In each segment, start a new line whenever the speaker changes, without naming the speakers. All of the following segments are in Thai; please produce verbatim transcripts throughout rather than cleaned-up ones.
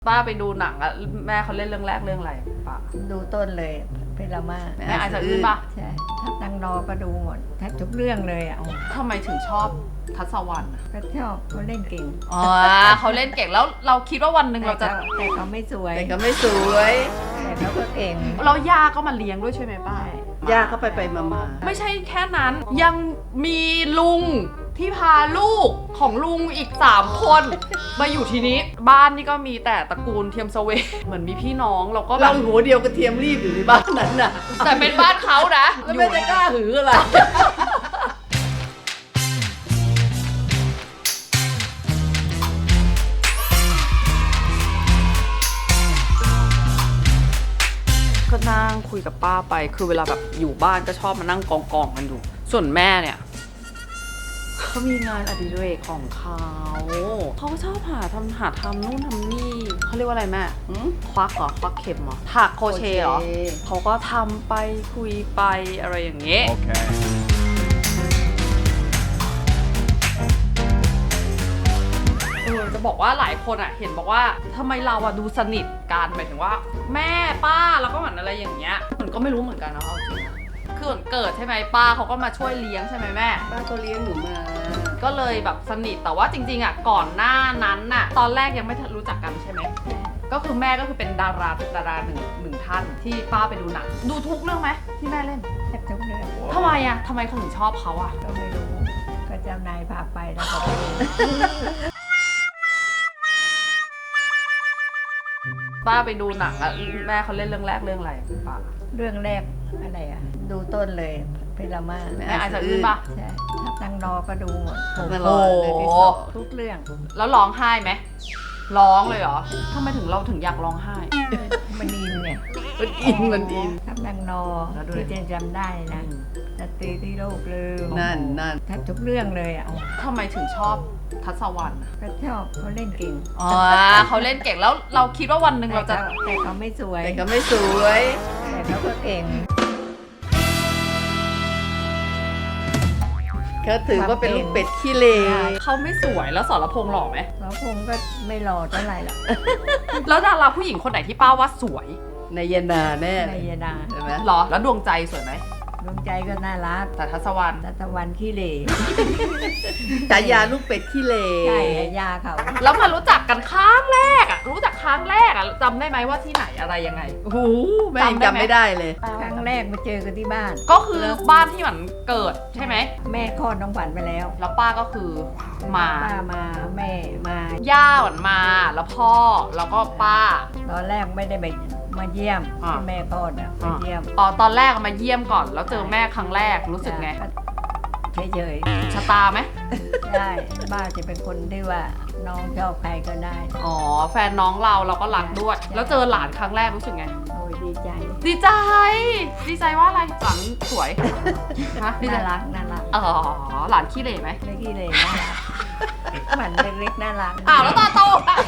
ป้าไปดูหนังอะแม่เขาเล่นเรื่องแรกเรื่องอะไรป้า
ดูต้นเลยเพลามา
แม่อาจจะอื้นปะ
ใช่ถ้าตั้งรอก็ดูหมดแทบทุกเรื่องเลยอ่ะ
ทำไมถึงชอบทัศวรรณอะ
ก็ชอบเขาเล่นเก่ง
อ๋อเขาเล่นเก่งแล้วเราคิดว่าวันหนึ่งเราจะ
แต่เขาไม่สวย
แต่ก็ไม่สวย
แต่เขาก็เก่ง
เราย่าก็มาเลี้ยงด้วยใช่ไหมป้า
ย่าก็ไปไปมามา
ไม่ใช่แค่นั้นยังมีลุงที่พาลูกของลุงอีกสามคนมาอยู่ทีนี้บ้านนี่ก็มีแต่ตระกูลเทียมสเวเหมือนมีพี่น้องเราก็แบ
เรา
บ
หัวเดียวกระเทียมรีบอยู่ในบ้านนั้นน่ะ
แต่เป็นบ้านเขานะ
แล้วไม่จะกล้าหืออะไร
ก็นั่งคุยกับป้าไปคือเวลาแบบอยู่บ้านก็ชอบมานั่งกองกองกันอยู่ส่วนแม่เนี่ยเขามีงานอดิเรกของเขาเขาก็ชอบหาทำหาทำนู่นทำนี่เขาเรียกว่าอะไรแม่ควักเหรอควักเข็มเหรอถักโครเชต์เหรอเขาก็ทำไปคุยไปอะไรอย่างเงี้ย okay. เออจะบอกว่าหลายคนอ่ะเห็นบอกว่าทำไมเราอ่ะดูสนิทกันหมายถึงว่าแม่ป้าแล้วก็เหมือนอะไรอย่างเงี้ยมันก็ไม่รู้เหมือนกันนะเอาจริงนะคือเหมือนเกิดใช่ไหมป้าเขาก็มาช่วยเลี้ยงใช่ไหมแม่
ป้าก็เลี้ยงหนูมา
ก็เลยแบบสนิทแต่ว่าจริงๆอ่ะก่อนหน้านั้นน่ะตอนแรกยังไม่รู้จักกันใช่ไหมก็คือแม่ก็คือเป็นดาราเป็นดาราหนึ่งหนึ่งท่านที่ป้าไปดูหนังดูทุกเรื่องไหมที่แม่เล่น
แทบทุกเรื่อง
ทำไมอ่ะทำไมเขาถึงชอบเขาอ่ะ
ก็ไม่รู้ก็เจ้านายพาไปแล้วก็ไปดู
ป้าไปดูหนังอะแม่เขาเล่นเรื่องแรกเรื่องอะไรป้า
เรื่องแรกอะไรอ่ะดูต้นเลยเพลามา
แม่อาจจะอื้นปะ
ใช่ถ้าตั้งรอก็ดูหมด
โอ้โห
ทุกเรื่อง
แล้วร้องไห้ไหมร้องเลยเหรอทำไมถึงเราถึงอยากร้องไห้
มันอินเนี่ย
มันอินมันอิน
ถ้าตั้งรอที่เจนจำได้นะสตรีที่โลกลืม
นั่นนั่น
แทบทุกเรื่องเลยอ่ะ
ทำไมถึงชอบทัศวรรณ
ก็ชอบเขาเล่นเก่ง
อ๋อเขาเล่นเก่งแล้วเราคิดว่าวันหนึ่งเราจะ
แต่เขาไม่สวย
แต่ก็ไม่สวย
แต่เขาก็เก่ง
เขาถือว่าเป็นลูกเป็ดขี้เล
เขาไม่สวยแล้วสรพงษ์หล่อไหม
สรพงษ์ก็ไม่หล่อเท่าไหร่หรอก
แล้วดาราผู้หญิงคนไหนที่ป้าว่าสวย
นายนาแน่
นายนา
ใช่ไหม
หรอแล้วดวงใจสวยไหม
ดวงใจก็น่ารัก
แต่ทัศวรรณ
ทัศวรรณขี้เหร่
ฉายาลูกเป็ดขี้เล
ใช่ยาเขา
แล้วมารู้จักกันครั้งแรกอ่ะรู้จักครั้งแรกอ่ะจำได้ไหมว่าที่ไหนอะไรยังไง
โอ้โหแม่จำไม่ได้เลย
ครั้งแรกมาเจอกันที่บ้าน
ก็คือบ้านที่หมันเกิดใช่ไหม
แม่คลอดน้องขวัญไปแล้ว
แล้วป้าก็คือมา
ป้ามาแม่มา
ย่าหวันมาแล้วพ่อแล้วก็ป้า
ตอนแรกไม่ได้ไปมาเยี่ยมที่แม่คลอดอ่ะมาเยี่ยม
อ๋อตอนแรกมาเยี่ยมก่อนแล้วเจอแม่ครั้งแรกรู้สึกไง
เฉย
ๆชะตาไหม
ใช่ป้าจะเป็นคนที่ว่าน้องชอบใครก็ได้
อ๋อแฟนน้องเราเราก็รักด้วยแล้วเจอหลานครั้งแรกรู้สึกไง
โอ้ยดีใจ
ดีใจดีใจว่าอะไรหลานสวย
น่ารักน่ารัก
อ๋อหลานขี้เหร่ไหม
ไม่ขี้เหร่น่ารักเหมือนเล็กๆน่ารัก
อ้าวแล้วตาโต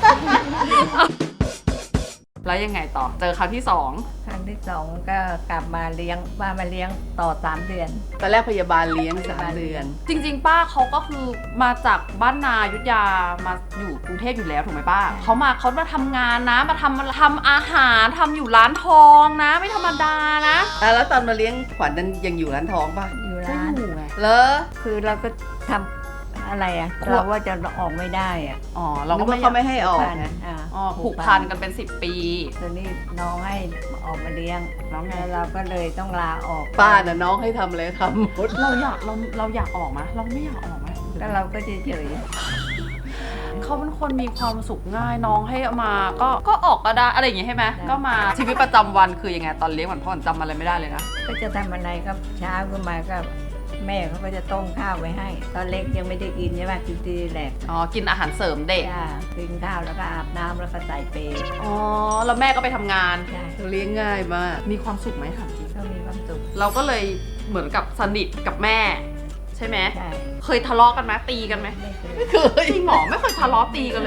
แล้วยังไงต่อเจอครั้งที่สอง
ครั้งที่สองก็กลับมาเลี้ยงป้ามาเลี้ยงต่อสามเดือน
ตอนแรกพยาบาลเลี้ยงสามเดือน
จริงๆป้าเขาก็คือมาจากบ้านนายุทธยามาอยู่กรุงเทพอยู่แล้วถูกไหมป้าเขามาเขามาทำงานนะมาทำทำอาหารทำอยู่ร้านทองนะไม่ธรรมดานะ
แล้วตอนมาเลี้ยงขวัญนั้นยังอยู่ร้านทองป่ะ
อยู่ร้าน
อยู่ไง
เหรอ
คือเราก็ทำอะไรอ่ะเราว่าจะออกไม่ได้อ่ะ
อ๋อเราก็
ไม่เขาไม่ให้ออกนะ
อ๋อผูกพันกันเป็นสิบปี
ตอนนี้น้องให้ออกมาเลี้ยงน้องแล้วเราก็เลยต้องลาออก
ป้าน่ะน้องให้ทำอะไรทำหมด
เราอยากเราเราอยากออกไหมเราไม่อยากออกไหม
แล้วเราก็เฉย
ๆเขาเป็นคนมีความสุขง่ายน้องให้มาก็ก็ออกก็ได้อะไรอย่างงี้ใช่ไหมก็มาชีวิตประจำวันคือยังไงตอนเลี้ยงเหมือนพ่อจำอะไรไม่ได้เลยนะ
ก็จะทำอะไรก็เช้าขึ้นมาก็แม่เขาก็จะต้มข้าวไว้ให้ตอนเล็กยังไม่ได้กินใช่ไหมกินทีแรก
อ๋อกินอาหารเสริมเด็ก
กินข้าวแล้วก็อาบน้ำแล้วก็ใส่เปย์
อ๋อแล้วแม่ก็ไปทำงาน
ใช่
เลี้ยงง่ายมาก
มีความสุขไหมถามจริง
ก็มีความสุข
เราก็เลยเหมือนกับสนิทกับแม่ใช่ไหม
ใช่
เคยทะเลาะกันไหมตีกันไหม
ไม่เคย
จริงหรอไม่เคยทะเลาะตีกันเลยหรอ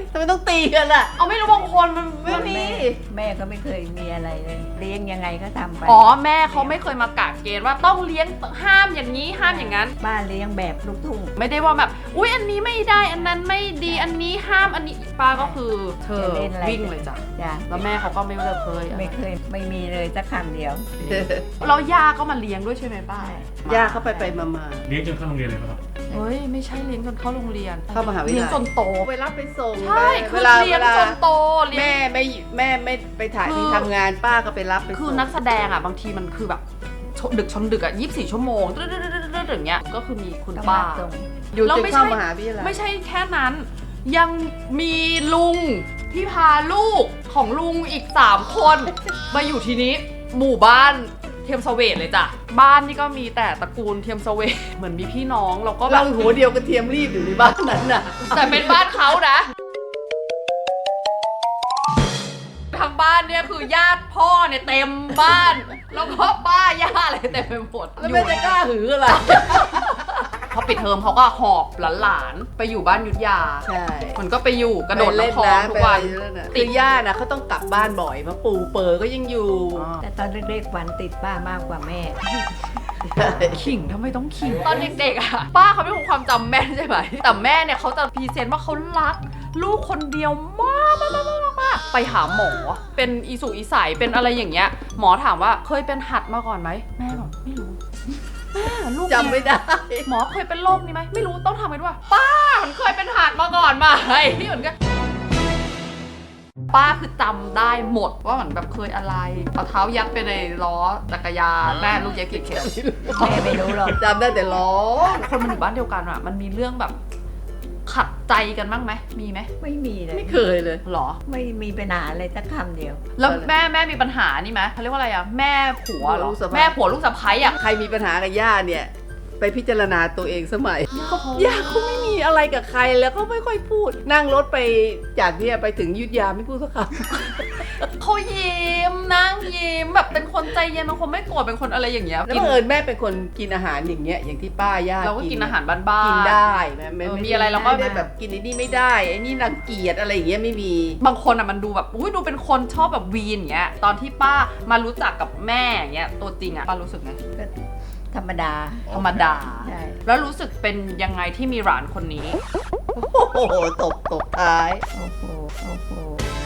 ทำไมต้องตีกันล่ะ
เอาไม่รู้บางคนมัน
ไม่มี
แม่แม่ก็ไม่เคยมีอะไรเลยเลี้ยงยังไงก็ทำไป
อ๋อแม่เขาไม่เคยมากะเกณฑ์ว่าต้องเลี้ยงห้ามอย่างนี้ห้ามอย่างนั้น
บ้านเลี้ยงแบบลูกทุ่ง
ไม่ได้ว่าแบบอุ๊ยอันนี้ไม่ได้อันนั้นไม่ดีอันนี้ห้ามอันนี้ป้าก็คือเธอ
จะเล่นอะไร
วิ่งเลยจ้ะ
จ้ะ
แล้วแม่เขาก็ไม่เคย
ไม่เคยไม่มีเลยสักคำเดียว
เราย่าก็มาเลี้ยงด้วยใช่ไหมป้า
ย่าเขาไปไปมามา
เลี้ยงจนเข้าโรงเรียนเลยไหมครับ
เฮ้ยไม่ใช่เลี้ยงจนเข้าโรงเรียน
เข้ามหาวิทยาลัย
เลี้ยงจนโต
ไปรับไปส่ง
ใช่
ไป
คื
เว
อ
ลา
เลี้ยง
เวลา
จนโตเลี้ยง
แม่ไม่แม่ไม่ไปถ่าย
คือ
ที่ทำงานป้าก็ไปรับไป
คือ
ส่ง
นักแสดงอ่ะบางทีมันคือแบบชดึกชนดึกอ่ะยี่สิบสี่ชั่วโมงตึ๊ดๆๆๆๆอย่างเงี้ยก็คือมีคุณ
ต้อง
ป้า
มาส่ง
อยู่
แล้ว
จน
ไม่
เข้า
ใช่
มหาวิทยาลัย
ไม่ใช่แค่นั้น ยังมีลุงที่พาลูกของลุงอีกสามคนมาอยู่ทีนี้หมู่บ้านเทียมเสวตเลยจ้ะบ้านนี่ก็มีแต่ตระกูลเทียมเสวตเหมือนมีพี่น้องเราก็แบ
เรา
บ
หัวเดียวกระเทียมรีบอยู่ในบ้านนั้นน่ะ
แต่เป็นบ้านเขานะทางบ้านเนี่ยคือญาติพ่อเนี่ยเต็มบ้าน แล้วก็ป้าย่าอะไรเต็มไปหมด
แล้วแม่จะกล้าหืออะไร
พอปิดเทอมเขาก็หอบหลานๆไปอยู่บ้านยุทธยา
ใช่
มันก็ไปอยู่กระโดด
ไปเล่น
น้ำคลองทุกวัน
ไปอะไรนั่นน่ะคือย่าน่ะเขาต้องกลับบ้านบ่อยเพราะปู่เปิดก็ยังอยู่
แต่ตอนเล็กๆวันติดป้ามากกว่าแม่
ขิงทำไมต้องขิงตอนเด็กๆอะป้าเขาไม่คงความจำแม่นใช่ไหมแต่แม่เนี่ยเขาจะพรีเซนต์ว่าเขารัก ลูกคนเดียวมากมากมากมากไปหาหมอเป็นอีสุอีใสเป็นอะไรอย่างเงี้ยหมอถามว่าเคยเป็นหัดมาก่อนไหมแม่บอกไม่รู้แม่ลูก
จำไม่ได้
หมอเคยเป็นโรคนี้ไหมไม่รู้ต้องทำกันว่าป้ามันเคยเป็นหัดมาก่อนไหมที่เหมือนกันป้าคือจำได้หมดว่าเหมือนแบบเคยอะไรเอาเท้ายัดไปในล้อจักรยานแม่ลูกเย็บกี่เข็ม
แม่ไม่รู้หรอก
จำได้แต่ล้อ
คนมันอยู่บ้านเดียวกันอะมันมีเรื่องแบบขัดใจกันบ้างไหมมีไหม
ไม่มีเลย
ไม่เคยเลย
หรอ
ไม่มีปัญหาอะไรสักคำเดียว
แล้วแม่แม่มีปัญหานี่ไหมเขาเรียกว่าอะไรอะแม่ผัวเหรอ
ลูกสะใภ้
แม่ผัวลูกสะใภ้อะ
ใครมีปัญหากับย่าเนี่ย ไปพิจารณาตัวเองสมัยย่าเขาไม่มีอะไรกับใครแล้วเขาไม่ค่อยพูด นั่งรถไปจากเนี่ยไปถึงอยุธยาไม่พูดสักค
เขายิ้มนั่งยิ้มแบบเป็นคนใจเย็นเป็นคนไม่โกรธเป็นคนอะไรอย่างเงี้ย
ำแล้วบังเอิญแม่เป็นคนกินอาหารอย่างเงี้ยอย่างที่ป้าย่า
เราก็กินอาหารบ้านๆ
กินได้แม่ไม่
เออ
ไม่
มีอะไรเราก็
ไม่ได้แบบกินไอ้นี่ไม่ได้ไอ้นี่รังเกียจอะไรอย่างเงี้ยไม่มี
บางคนอะมันดูแบบอุ้ยดูเป็นคนชอบแบบวีนอย่างเงี้ยตอนที่ป้ามารู้จักกับแม่อย่างเงี้ยตัวจริงอะป้ารู้สึกไง
ก็ธรรมดา
ธรรมดา
ใช่
แล้วรู้สึกเป็นยังไงที่มีหลานคนนี้
โอ้โหตบตบท้าย
โอ้โหโอ้โห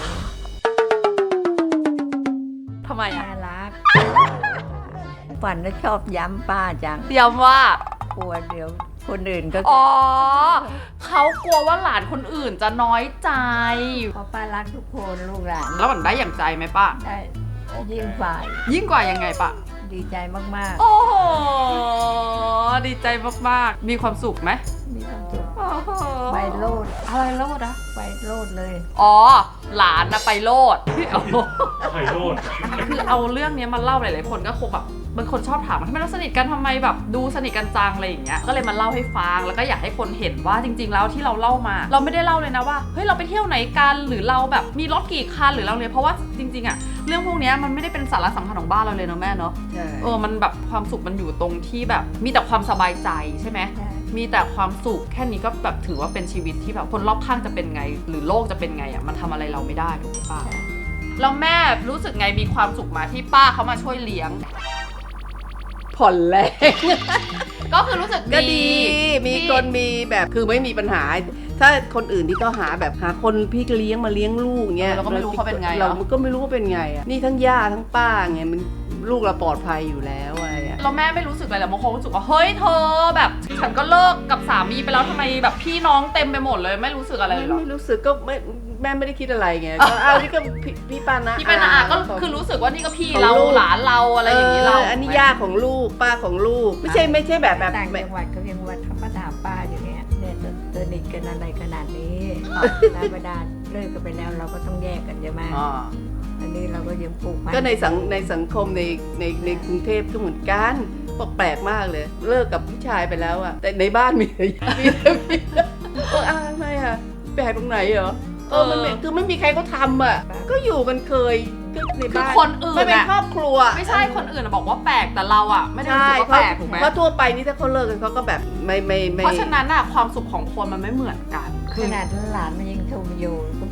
ทำไมอะ
น่ารักฝันแล้วชอบย้ำป้าจัง
ย้ำว่า
กลัวเดี๋ยวคนอื่นก็
อ๋อเขากลัวว่าหลานคนอื่นจะน้อยใจ
เพราะป้ารักทุกคนลูกหลาน
แล้วมันได้อย่างใจไหมป้า
ได้ยิ่งฝ่าย
ยิ่งกว่ายังไงป้า
ดีใจมาก
โอ้โหดีใจมากๆ มีความสุขไหม
ๆ มีความสุข
โอ้โห
ไปโลด
อะไรโลดอะ
ไปโลดเลย
อ๋อหลานนะไปโลด โอ้โห
ไข่โรด
คือเอาเรื่องนี้มาเล่าหลายๆคนก็คงแบบบางคนชอบถามว่าทำไมเราสนิทกันทำไมแบบดูสนิทกันจังอะไรอย่างเงี้ยก็เลยมาเล่าให้ฟังแล้วก็อยากให้คนเห็นว่าจริง ๆ แล้วที่เราเล่ามา เราไม่ได้เล่าเลยนะว่าเฮ้ยเราไปเที่ยวไหนกันหรือเราแบบมีรถกี่คันหรือเราเนี่ยเพราะว่าจริงๆอะเรื่องพวกเนี้ยมันไม่ได้เป็นสาระสำคัญของบ้านเราเลยเนาะแม่เนาะ
ใช่
เออมันแบบความสุขมันอยู่ตรงที่แบบมีแต่ความสบายใจใช่ไหม
ใช่
มีแต่ความสุขแค่นี้ก็แบบถือว่าเป็นชีวิตที่แบบคนรอบข้างจะเป็นไง หรือโลกจะเป็นไงอะมันทำอะไรเราไม่ได้ถูกไหมป้าแล้วแม่รู้สึกไงมีความสุขมาที่ป้าเขามาช่วยเลี้ยง
ผ่อนแรง
ก็คือรู้สึก
ก็ดี มี
ที่
คนมีแบบคือไม่มีปัญหา ถ้าคนอื่นที่เขาหาแบบหาคนพี่เลี้ยงมาเลี้ยงลูกเงี้ย
เราก็ไม่รู้เขาเป็นไง
เรา
เนาะ
ก็ไม่รู้ว่าเป็นไงอ่ะนี่ทั้งย่าทั้งป้าไงมันลูกเราปลอดภัยอยู่แล้วอะไรอ่ะ
เราแม่ไม่รู้สึกอะไรหรอกบางคนรู้สึกว่าเฮ้ยเธอแบบฉันก็เลิกกับสามีไปแล้วทำไมแบบพี่น้องเต็มไปหมดเลยไม่รู้สึกอะไรเลยเหรอ
ไม่รู้สึกก็ไม่แม่ไม่ได้คิดอะไรไงก็อ้าวนี่ก็พี่พี่ป้านะ
พี่เป็นอาก็คือรู้สึกว่านี่ก็พี่เรา
ของลูก
หลานเราอะไรอย่างนี้เรา
อันนี้ย่าของลูกป้าของลูก ไม่ใช่ไม่ใช่แบบแบบ
ต่างจังหวัดเขายังวัดเขามาถามป้าอยู่เนี่ยเนี่ยสนิทกันอะไรขนาดนี้ธรรมดาเลิกกันไปแล้วเราก็ต้องแยกกันใช่ไหม
อ๋อ
อันนี้เราก็ยังผูกพัน
ก็ในสังในสังคมในในในกรุงเทพก็เหมือนกันบอกแปลกมากเลย เลิกกับผู้ชายไปแล้วอะแต่ในบ้านมีแต่มีแต่มีเอออ้าวทำไมอะแปลกตรงไหนเหรอเออมันไม่คือไม่มีใครเขาทำอะก็อยู่กันเคยก็ใน
คือ
บ้าน
คนอื่น
มันเป็น
อะ
ครอบครัว
ไม่ใช่คนอื่นอะบอกว่าแปลกแต่เราอะไม่ได้รู้
ใช่
สึกว่า
เพราะ
แปลกถูกไหม
เพราะทั่วไปนี่ถ้าเขาเลิกกันเขาก็แบบไม่ไม่ไม่
เพราะฉะนั้นอะความสุขของคนมันไม่เหมือนกัน
ขนาดหลานมันยังชมอยู่ค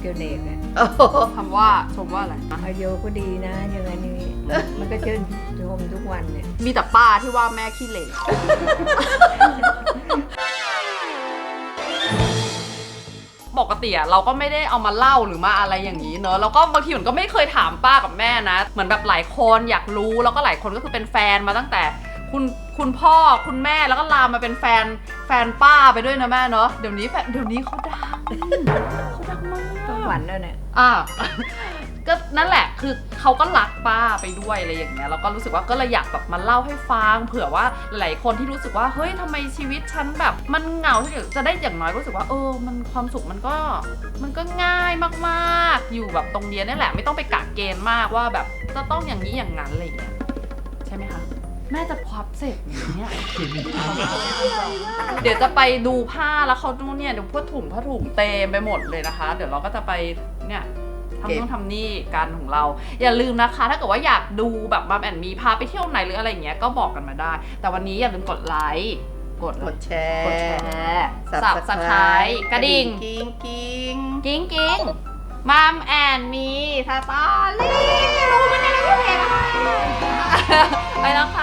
เกียวเนกอะ
โอ้โห
คำว่าชมว่าอะไร
อายุก็ดีนะอย่างนั้นอย่างนี้ มันก็ชื่นชมทุกวันเนี่ย
มีแต่ป้าที่ว่าแม่ขี้เหร่ปกติอะเราก็ไม่ได้เอามาเล่าหรือมาอะไรอย่างนี้เนอะแล้วก็บางทีมันก็ไม่เคยถามป้ากับแม่นะ เหมือนแบบหลายคนอยากรู้แล้วก็หลายคนก็คือเป็นแฟนมาตั้งแต่คุณคุณพ่อคุณแม่แล้วก็ลามมาเป็นแฟนแฟนป้าไปด้วยนะแม่เนอะเดี๋ยวนี้แฟนเดี๋ยวนี้เขาดังเขาดังมาก
ต้องหวันแล้วเนี่ย
อ่า ก็นั่นแหละคือเขาก็รักป้าไปด้วยอะไรอย่างเงี้ยแล้วก็รู้สึกว่าก็เลยอยากแบบมาเล่าให้ฟังเผื่อว่าหลายคนที่รู้สึกว่าเฮ้ยทำไมชีวิตฉันแบบมันเหงาที่จะได้อย่างน้อยก็รู้สึกว่าเออมันความสุขมันก็มันก็ง่ายมากๆอยู่แบบตรงเนี้ยนี่แหละไม่ต้องไปกะเกณฑ์มากว่าแบบจะต้องอย่างนี้อย่างนั้นอะไรอย่างเงี้ยใช่ไหมคะแม่จะพับเสร็จอย่างเนี้ย เดี๋ยวจะไปดูผ้าแล้วเขาดูเนี่ยเดี๋ยวผ้าถุงผ้าถุงเต็มไปหมดเลยนะคะ เดี๋ยวเราก็จะไปเนี่ยทำนู่นทำนี่กันของเรา อย่าลืมนะคะ ถ้าเกิดว่าอยากดูแบบมัมแอนมีพาไปเที่ยวไหนหรืออะไรอย่างเงี้ยก็บอกกันมาได้ แต่วันนี้อย่าลืมกดไลค์กด
กดแชร์
กดแชร์สับสไครต์กระดิ่ง
กิ้งกิ้ง
กิ้งกิ้งมัมแอนมีสตอรี่รู้มันในเพจอะไรไปแล้วค่ะ